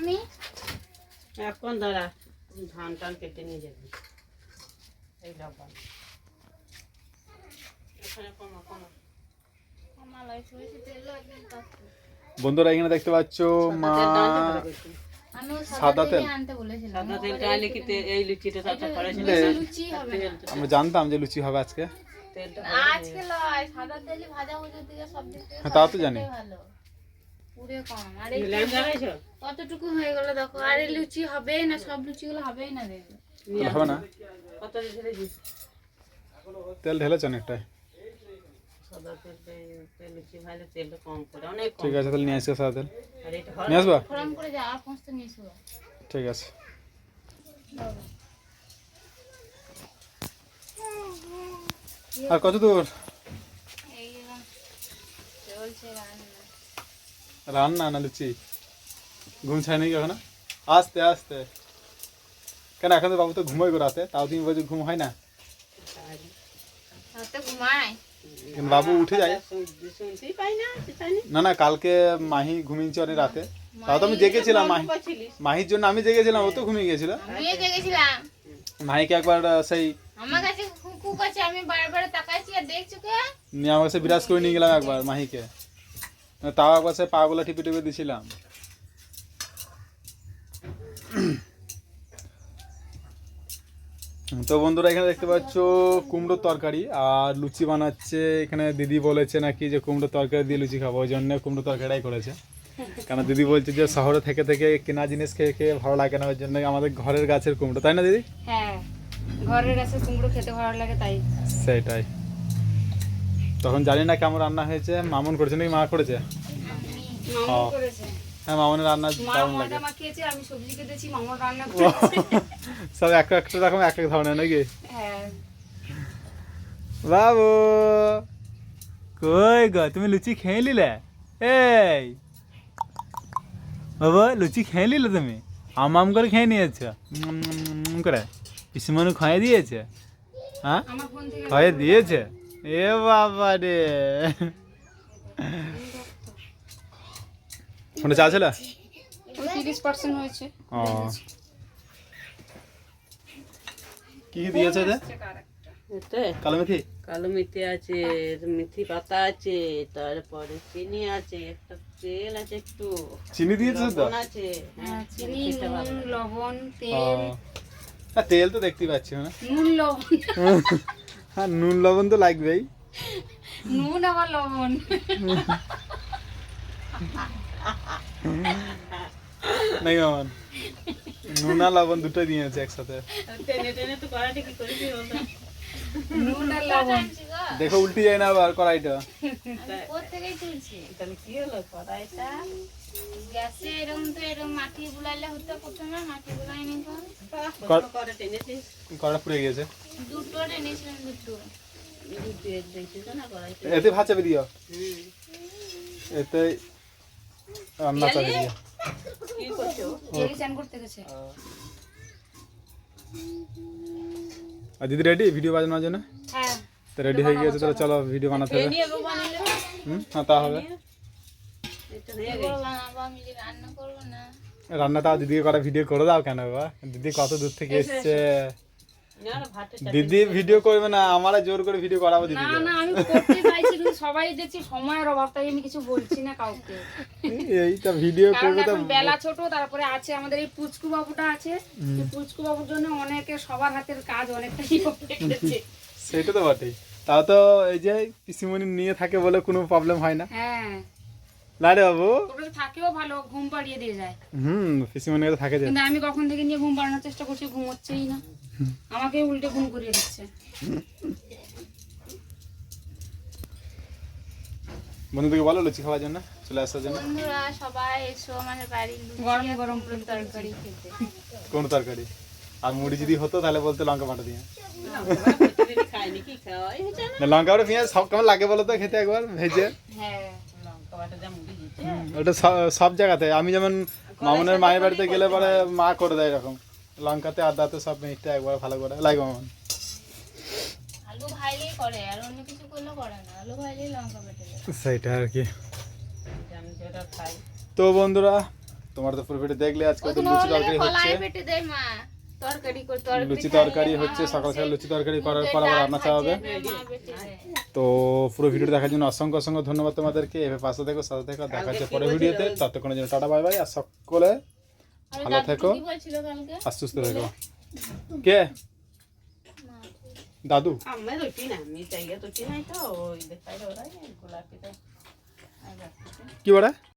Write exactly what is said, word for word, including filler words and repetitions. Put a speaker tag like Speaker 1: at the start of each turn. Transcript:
Speaker 1: আমি
Speaker 2: এখন দাঁড়া ধান টান কেটে নিয়ে যাবি এই ডাব্বা এখানে কমা কমা
Speaker 1: মালাই সরিষা তেল একদম পাচ্ছি।
Speaker 3: বন্ধুরা এখানে দেখতে পাচ্ছ মা
Speaker 1: আমি
Speaker 3: সাদা তেল
Speaker 1: আনতে বলেছিলাম
Speaker 2: সাদা তেলটা আনলে কি তে- এই লুচিটা তাতে করেছিল
Speaker 1: লুচি হবে না।
Speaker 3: আমরা জানতাম যে লুচি হবে আজকে।
Speaker 2: তেলটা
Speaker 1: আজকে লয় সাদা তেলই ভাজা ভুজির দিকে সব দিক থেকে
Speaker 3: হ্যাঁ, তাও তো
Speaker 1: সাদা
Speaker 3: জানি।
Speaker 1: তেলটাই ভালো পুরে কম আর এই
Speaker 2: মিলান জানাইছো
Speaker 1: কতটুকু হয়ে গেল দেখো আর এই লুচি হবেই না সব লুচিগুলো হবেই না দেখবে
Speaker 3: হবে না,
Speaker 2: কত ঢেলে দিস
Speaker 3: তেল ঢেলেছ অনেকটাই।
Speaker 2: সাদা তেল তেল লুচি ভালো তেলটা কম করে অনেক কম
Speaker 3: ঠিক আছে তাহলে নিয়ে আসো সাদা তেল
Speaker 2: আর এটা
Speaker 3: নিয়ে আসবা।
Speaker 1: ফোরম করে যা আর পৌঁছতে নিয়ে এসো
Speaker 3: ঠিক আছে আর কত দূর
Speaker 1: এই এরকম চলছে রান্না
Speaker 3: রান্না না লুচি? ঘুম ছাড়েনি কি এখনো? আস্তে আস্তে কেন এখন তো বাবু তো ঘুমোই গো রাতে, তাও তুমি বলছো ঘুম হয় না?
Speaker 1: রাতে ঘুমায়
Speaker 3: কিন্তু বাবু উঠে যায়।
Speaker 2: শুনতেই পাই না চিতানি
Speaker 3: না না কালকে মাহি ঘুমিয়েছে অনেক রাতে, তাও তো আমি জেগেছিলাম। মাহি মাহির জন্য আমি জেগেছিলাম, ও তো ঘুমিয়ে গেছিল।
Speaker 1: আমিও জেগেছিলাম
Speaker 3: মাহিকে একবার আহ, সেই
Speaker 1: আমার কাছে কুকু কাছে আমি বারবার তাকাইছি আর দেখছো কে
Speaker 3: নিয়ে আমার কাছে বিরাজ করে নিয়ে গেলাম একবার মাহিকে, তাও একবার সে পাগুলো টিপে টিপে দিছিলাম। তো বন্ধুরা এখানে দেখতে পাচ্ছ কুমড়োর তরকারি আর লুচি বানাচ্ছে। এখানে দিদি বলেছে নাকি যে কুমড়োর তরকারি দিয়ে লুচি খাবো, ওই জন্য কুমড়োর তরকারিটাই করেছে। কারণ দিদি বলছে যে শহরে থেকে থেকে কেনা জিনিস খেয়ে খেয়ে ভালো লাগে না, ওই জন্য আমাদের ঘরের গাছের কুমড়ো, তাই না দিদি?
Speaker 1: হ্যাঁ ঘরের কাছে কুমড়ো খেতে ভালো লাগে তাই।
Speaker 3: সেটাই। তখন জানি না কেমন রান্না হয়েছে, মামুন করেছে নাকি মা করেছে?
Speaker 1: মামা করেছে
Speaker 3: হ্যাঁ মামুনের রান্না
Speaker 1: মা
Speaker 3: দারুণ লাগে।
Speaker 1: ময়দা মাখিয়েছে আমি সবজি কেটেছি মামা রান্না করেছে
Speaker 3: সব এক একটা রকম এক এক ধরনের নাকি?
Speaker 1: হ্যাঁ
Speaker 3: বাবু কই গো, তুমি লুচি খেয়ে নিলে? এই বাবা লুচি খেয়ে নিলে তুমি? আম আম করে খেয়ে নিয়েছো উম, উম, উম করে পিসিমনু খাইয়ে দিয়েছে? হ্যাঁ
Speaker 1: আমার ফোন থেকে
Speaker 3: খাইয়ে দিয়েছে? এ বাবা রে, ফোনে চা ছিল?
Speaker 1: তিরিশ পার্সেন্ট হয়েছে
Speaker 3: ও কি কি দিয়েছে যে?
Speaker 2: এতে
Speaker 3: কালো মেথি?
Speaker 2: কালো মেথি আছে, মেথি পাতা আছে, তারপরে চিনি আছে, একটা তেল আছে, একটু
Speaker 3: চিনি দিয়েছে তো?
Speaker 2: লবণ আছে। হ্যাঁ,
Speaker 1: চিনি
Speaker 2: খেতে
Speaker 1: নুন
Speaker 2: ভালো।
Speaker 1: লবণ
Speaker 3: ও
Speaker 1: তেল
Speaker 3: হ্যাঁ, তেল তো দেখতেই পাচ্ছি না।
Speaker 1: নুন লবণ
Speaker 3: হ্যাঁ নুন লবণ তো লাগবেই।
Speaker 1: নুন আবার লবণ
Speaker 3: নাকি মামান? নুন আর লবণ দুটোই দিয়েছে একসাথে।
Speaker 2: টেনে টেনে তো কড়াইটা কি করেছি বলতো?
Speaker 1: নুন আর লবণ
Speaker 3: দেখো উল্টে যায় না আবার কড়াইটা।
Speaker 1: কোত্থেকেই তুলছি
Speaker 2: তাহলে কি হলো কড়াইটা?
Speaker 1: গ্যাসে এরকম তো এরকম মাটি বুলাইলে হতো প্রথমে মাটি বুলাই নি তো
Speaker 2: কত করে টেনেছিস?
Speaker 3: কড়া পুড়ে গেছে।
Speaker 1: দুটো এনেছিলাম দুটো
Speaker 2: দুধ দিয়ে দেখছিস না কড়াইটা?
Speaker 3: এতে ভাত চাপে দিও,
Speaker 2: হুম।
Speaker 3: এতে রান্না চাপে দিও।
Speaker 2: কি করছো?
Speaker 1: জেলি চান করতে গেছে
Speaker 3: আর দিদি রেডি ভিডিও বানানোর জন্য?
Speaker 1: হ্যাঁ
Speaker 3: তো রেডি হয়ে গিয়েছে, তাহলে চলো ভিডিও বানাতে
Speaker 2: খেয়ে
Speaker 3: হবে।
Speaker 2: নিয়ে গো বানিয়ে নেবে।
Speaker 3: হুম হ্যাঁ তা হবে।
Speaker 2: এটা হয়ে
Speaker 1: করবো
Speaker 2: গেছে।
Speaker 1: বানাবো আমি যে রান্না করবো না
Speaker 3: রান্না তাও দিদিকে করা ভিডিও করে দাও কেন বাবা? দিদি কত দূর থেকে এসছে।
Speaker 2: না না ভাতটা চাপিয়ে
Speaker 3: দিদি ভিডিও করবে না, আমরা জোর করে ভিডিও করাবো
Speaker 4: না
Speaker 3: দিদিকে।
Speaker 4: না আমি করতে চাইছি কিন্তু সবাই দেখছি সময়ের অভাব, তাই আমি কিছু বলছি না কাউকে।
Speaker 3: এইটা ভিডিও
Speaker 4: কারণ
Speaker 3: করবে তো
Speaker 4: এখন বেলা ছোট, তারপরে আছে আমাদের এই পুচকু বাবুটা আছে, এই পুচকু বাবুর জন্য অনেকে সবার হাতের কাজ অনেকটা ইয়ে করে ফেলেছে।
Speaker 3: সেটা তো বটেই। তাও তো এই যে পিসিমণি নিয়ে থাকে বলে কোনো প্রবলেম হয় না,
Speaker 4: হ্যাঁ
Speaker 3: না রে বাবু?
Speaker 4: ওটা তো থাকেও ভালো, ঘুম পাড়িয়ে দিয়ে যায়।
Speaker 3: হুম পিসিমণি তো থাকে যে।
Speaker 4: কিন্তু আমি কখন থেকে নিয়ে ঘুম পাড়ানোর চেষ্টা করছি, ঘুমোচ্ছেই না, আমাকে উল্টে ঘুম করিয়ে দিচ্ছে।
Speaker 3: বন্ধুদেরকে বলো লুচি খাওয়ার জন্য চলে আসার জন্য।
Speaker 1: বন্ধুরা সবাই এসো আমাদের বাড়ির লুচি
Speaker 4: গরম
Speaker 1: আর
Speaker 4: গরম
Speaker 1: কুমড়োর তরকারি খেতে
Speaker 3: কোন তরকারি? আর মুড়ি যদি হতো তাহলে বলতে লঙ্কা পাটা দিয়ে।
Speaker 2: প্রতিদিন খাইনি কি খাওয়াই হচ্ছে না?
Speaker 3: না লঙ্কা পাটা পেঁয়াজ সব কেমন লাগে বলো তো খেতে একবার ভেজে?
Speaker 1: হ্যাঁ
Speaker 2: লঙ্কা বাটা যা মুড়ি দিচ্ছে।
Speaker 3: ওটা স- সব জায়গাতে, আমি যেমন মামুনের মায়ের বাড়িতে গেলে পরে মা করে দেয় এরকম লঙ্কাতে আদাতে সব মিটটা একবার ভালো করে লাগে মামন।
Speaker 1: আলু ভাইলেই করে আর অন্য কিছু করলে করে না, আলু ভাইলেই লঙ্কা বেটে দেয়।
Speaker 3: সেইটা আর কি।
Speaker 2: আমি যেটা খাই
Speaker 3: তো বন্ধুরা তোমার তো পুরো ভিডিও দেখলে আজকে তো
Speaker 1: ওখানে
Speaker 3: লুচি
Speaker 1: ওর লাগে
Speaker 3: তরকারি হচ্ছে
Speaker 1: কলাই বেটে দেয় মা তরকারি করে তরকারি
Speaker 3: লুচি তরকারি হচ্ছে সকাল সকাল লুচি তরকারি করার পর আবার রান্না চাওয়া হবে। তো পুরো ভিডিও দেখার জন্য অসংখ্য অসংখ্য ধন্যবাদ তোমাদেরকে। এভাবে পাশে থেকো সাথে থেকো, দেখা হচ্ছে পরের ভিডিওতে। ততক্ষণের জন্য টাটা বাই বাই, আর সকলে ভালো থেকো
Speaker 1: কি বলছিল কালকে
Speaker 3: আর সুস্থ থেকো। কে দাদু?
Speaker 2: আমি রুটি না আমি চাইয়া রুটি নাই তো ওই দেখাই ওরাই গোলাপিটা
Speaker 3: কি বড়া?